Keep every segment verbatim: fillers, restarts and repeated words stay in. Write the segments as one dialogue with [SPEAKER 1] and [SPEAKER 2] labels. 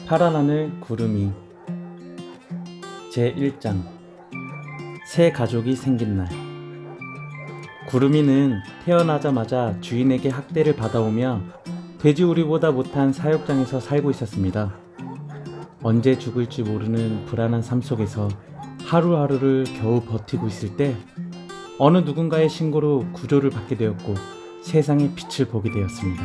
[SPEAKER 1] 파란 하늘 구름이 제일 장 새 가족이 생긴 날. 구름이는 태어나자마자 주인에게 학대를 받아오며 돼지우리보다 못한 사육장에서 살고 있었습니다. 언제 죽을지 모르는 불안한 삶 속에서 하루하루를 겨우 버티고 있을 때 어느 누군가의 신고로 구조를 받게 되었고 세상의 빛을 보게 되었습니다.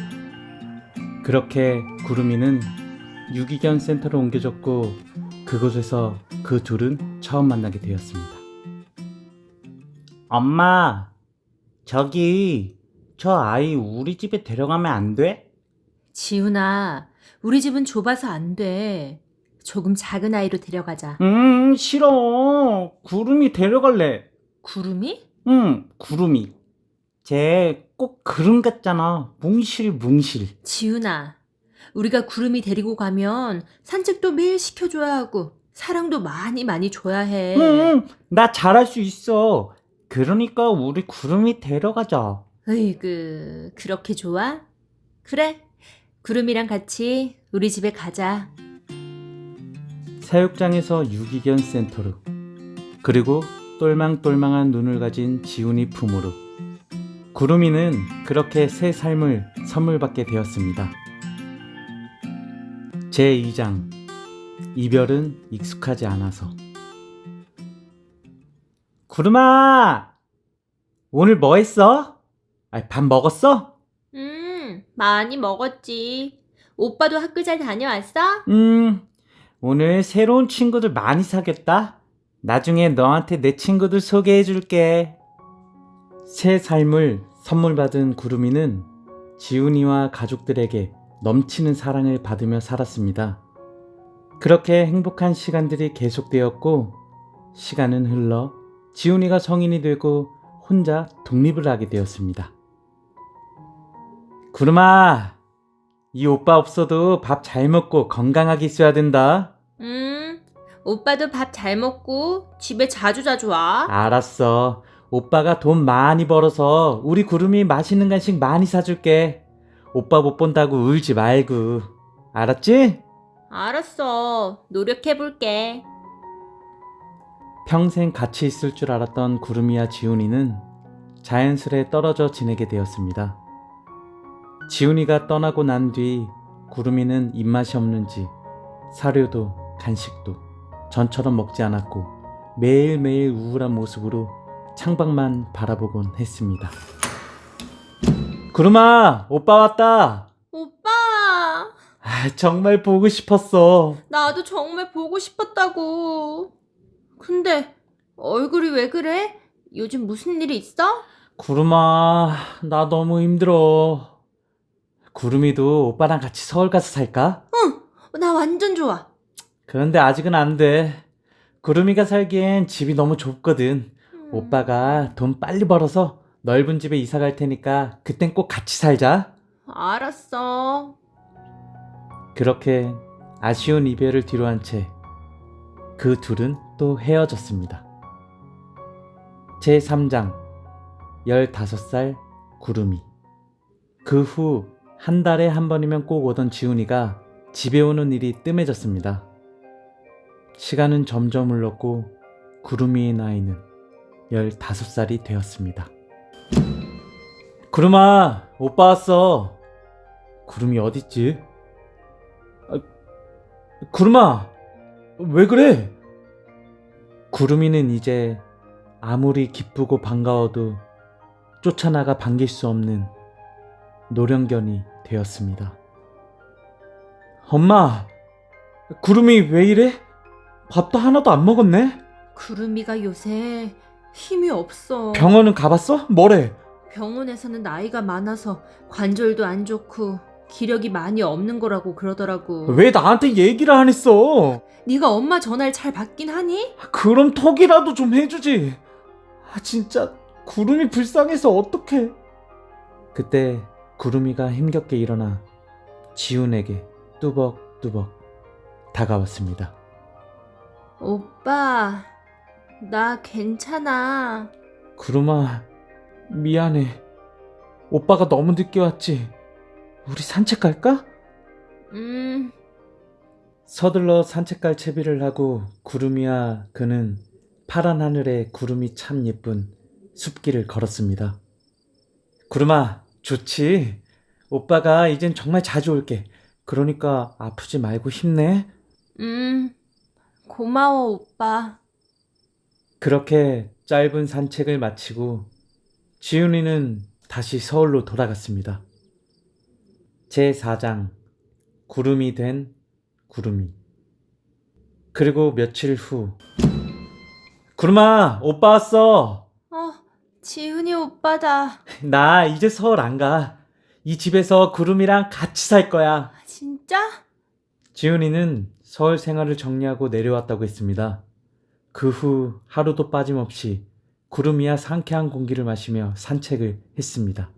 [SPEAKER 1] 그렇게 구름이는 유기견 센터로 옮겨졌고 그곳에서 그 둘은 처음 만나게 되었습니다. 엄마, 저기 저 아이 우리 집에 데려가면 안 돼?
[SPEAKER 2] 지훈아, 우리 집은 좁아서 안 돼. 조금 작은 아이로 데려가자.
[SPEAKER 1] 음, 싫어. 구름이 데려갈래.
[SPEAKER 2] 구름이?
[SPEAKER 1] 응, 구름이. 쟤 꼭 그름 같잖아. 뭉실뭉실.
[SPEAKER 2] 지훈아, 우리가 구름이 데리고 가면 산책도 매일 시켜줘야 하고 사랑도 많이 많이 줘야 해.
[SPEAKER 1] 응, 나 잘할 수 있어. 그러니까 우리 구름이 데려가자.
[SPEAKER 2] 으이그, 그렇게 좋아? 그래, 구름이랑 같이 우리 집에 가자.
[SPEAKER 1] 사육장에서 유기견 센터로, 그리고 똘망똘망한 눈을 가진 지훈이 품으로 구름이는 그렇게 새 삶을 선물 받게 되었습니다. 제이 장 이별은 익숙하지 않아서. 구름아, 오늘 뭐 했어? 아, 밥 먹었어?
[SPEAKER 2] 음, 많이 먹었지. 오빠도 학교 잘 다녀왔어?
[SPEAKER 1] 음, 오늘 새로운 친구들 많이 사귀었다. 나중에 너한테 내 친구들 소개해 줄게. 새 삶을 선물 받은 구름이는 지훈이와 가족들에게 넘치는 사랑을 받으며 살았습니다. 그렇게 행복한 시간들이 계속되었고, 시간은 흘러 지훈이가 성인이 되고 혼자 독립을 하게 되었습니다. 구름아, 이 오빠 없어도 밥 잘 먹고 건강하게 있어야 된다.
[SPEAKER 2] 음, 오빠도 밥 잘 먹고 집에 자주 자주 와.
[SPEAKER 1] 알았어. 오빠가 돈 많이 벌어서 우리 구름이 맛있는 간식 많이 사줄게. 오빠 못 본다고 울지 말고. 알았지?
[SPEAKER 2] 알았어. 노력해볼게.
[SPEAKER 1] 평생 같이 있을 줄 알았던 구름이와 지훈이는 자연스레 떨어져 지내게 되었습니다. 지훈이가 떠나고 난 뒤 구름이는 입맛이 없는지 사료도 간식도 전처럼 먹지 않았고 매일매일 우울한 모습으로 창밖만 바라보곤 했습니다. 구름아, 오빠 왔다.
[SPEAKER 2] 오빠,
[SPEAKER 1] 아, 정말 보고 싶었어.
[SPEAKER 2] 나도 정말 보고 싶었다고. 근데 얼굴이 왜 그래? 요즘 무슨 일이 있어?
[SPEAKER 1] 구름아, 나 너무 힘들어. 구름이도 오빠랑 같이 서울 가서 살까?
[SPEAKER 2] 나 완전 좋아.
[SPEAKER 1] 그런데 아직은 안 돼. 구름이가 살기엔 집이 너무 좁거든.
[SPEAKER 2] 음,
[SPEAKER 1] 오빠가 돈 빨리 벌어서 넓은 집에 이사 갈 테니까 그땐 꼭 같이 살자.
[SPEAKER 2] 알았어.
[SPEAKER 1] 그렇게 아쉬운 이별을 뒤로한 채 그 둘은 또 헤어졌습니다. 제삼 장 열다섯 살 구름이. 그 후 한 달에 한 번이면 꼭 오던 지훈이가 집에 오는 일이 뜸해졌습니다. 시간은 점점 흘렀고 구름이의 나이는 열다섯 살이 되었습니다. 구름아, 오빠 왔어. 구름이 어딨지? 아, 구름아, 왜 그래? 구름이는 이제 아무리 기쁘고 반가워도 쫓아나가 반길 수 없는 노령견이 되었습니다. 엄마, 구름이 왜 이래? 밥도 하나도 안 먹었네?
[SPEAKER 2] 구름이가 요새 힘이 없어.
[SPEAKER 1] 병원은 가봤어? 뭐래?
[SPEAKER 2] 병원에서는 나이가 많아서 관절도 안 좋고 기력이 많이 없는 거라고 그러더라고.
[SPEAKER 1] 왜 나한테 얘기를 안 했어?
[SPEAKER 2] 네가 엄마 전화를 잘 받긴 하니?
[SPEAKER 1] 그럼 톡이라도 좀 해주지. 아, 진짜 구름이 불쌍해서 어떡해. 그때 구름이가 힘겹게 일어나 지훈에게 뚜벅뚜벅 다가왔습니다.
[SPEAKER 2] 오빠, 나 괜찮아.
[SPEAKER 1] 구름아, 미안해. 오빠가 너무 늦게 왔지. 우리 산책 갈까?
[SPEAKER 2] 음,
[SPEAKER 1] 서둘러 산책 갈 채비를 하고 구름이와 그는 파란 하늘에 구름이 참 예쁜 숲길을 걸었습니다. 구름아, 좋지? 오빠가 이젠 정말 자주 올게. 그러니까 아프지 말고 힘내.
[SPEAKER 2] 음, 고마워, 오빠.
[SPEAKER 1] 그렇게 짧은 산책을 마치고 지훈이는 다시 서울로 돌아갔습니다. 제사 장 구름이 된 구름이. 그리고 며칠 후 구름아, 오빠 왔어.
[SPEAKER 2] 어, 지훈이 오빠다.
[SPEAKER 1] 나 이제 서울 안 가. 이 집에서 구름이랑 같이 살 거야.
[SPEAKER 2] 진짜?
[SPEAKER 1] 지훈이는 서울 생활을 정리하고 내려왔다고 했습니다. 그 후 하루도 빠짐없이 구름이와 상쾌한 공기를 마시며 산책을 했습니다.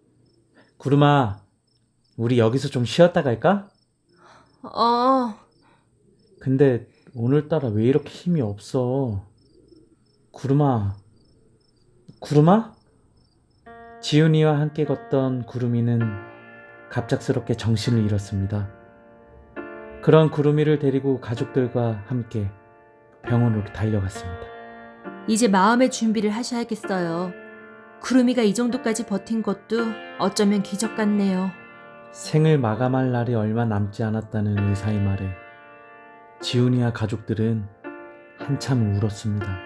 [SPEAKER 1] 구름아, 우리 여기서 좀 쉬었다 갈까?
[SPEAKER 2] 어,
[SPEAKER 1] 근데 오늘따라 왜 이렇게 힘이 없어? 구름아, 구름아? 지훈이와 함께 걷던 구름이는 갑작스럽게 정신을 잃었습니다. 그런 구름이를 데리고 가족들과 함께 병원으로 달려갔습니다.
[SPEAKER 2] 이제 마음의 준비를 하셔야겠어요. 구름이가 이 정도까지 버틴 것도 어쩌면 기적 같네요.
[SPEAKER 1] 생을 마감할 날이 얼마 남지 않았다는 의사의 말에 지훈이와 가족들은 한참 울었습니다.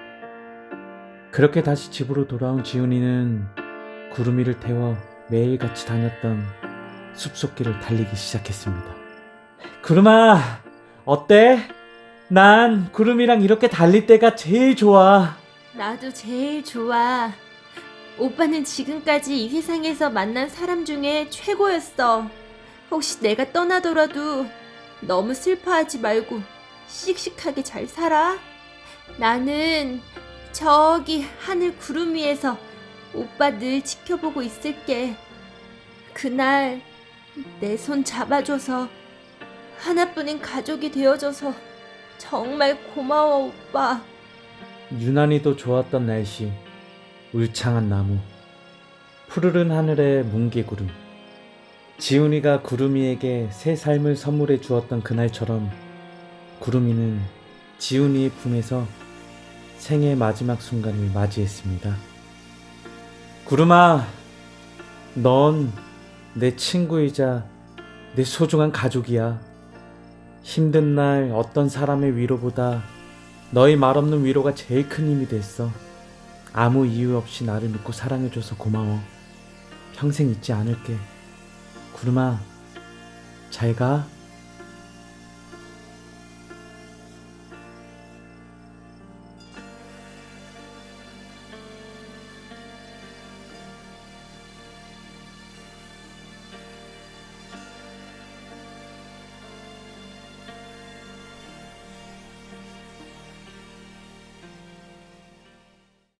[SPEAKER 1] 그렇게 다시 집으로 돌아온 지훈이는 구름이를 태워 매일같이 다녔던 숲속길을 달리기 시작했습니다. 구름아, 어때? 난 구름이랑 이렇게 달릴 때가 제일 좋아.
[SPEAKER 2] 나도 제일 좋아. 오빠는 지금까지 이 세상에서 만난 사람 중에 최고였어. 혹시 내가 떠나더라도 너무 슬퍼하지 말고 씩씩하게 잘 살아. 나는 저기 하늘 구름 위에서 오빠 늘 지켜보고 있을게. 그날 내 손 잡아줘서 하나뿐인 가족이 되어줘서 정말 고마워, 오빠.
[SPEAKER 1] 유난히도 좋았던 날씨, 울창한 나무, 푸르른 하늘의 뭉게구름. 지훈이가 구름이에게 새 삶을 선물해 주었던 그날처럼 구름이는 지훈이의 품에서 생의 마지막 순간을 맞이했습니다. 구름아, 넌 내 친구이자 내 소중한 가족이야. 힘든 날 어떤 사람의 위로보다 너의 말없는 위로가 제일 큰 힘이 됐어. 아무 이유 없이 나를 믿고 사랑해줘서 고마워. 평생 잊지 않을게. 구름아, 잘 가.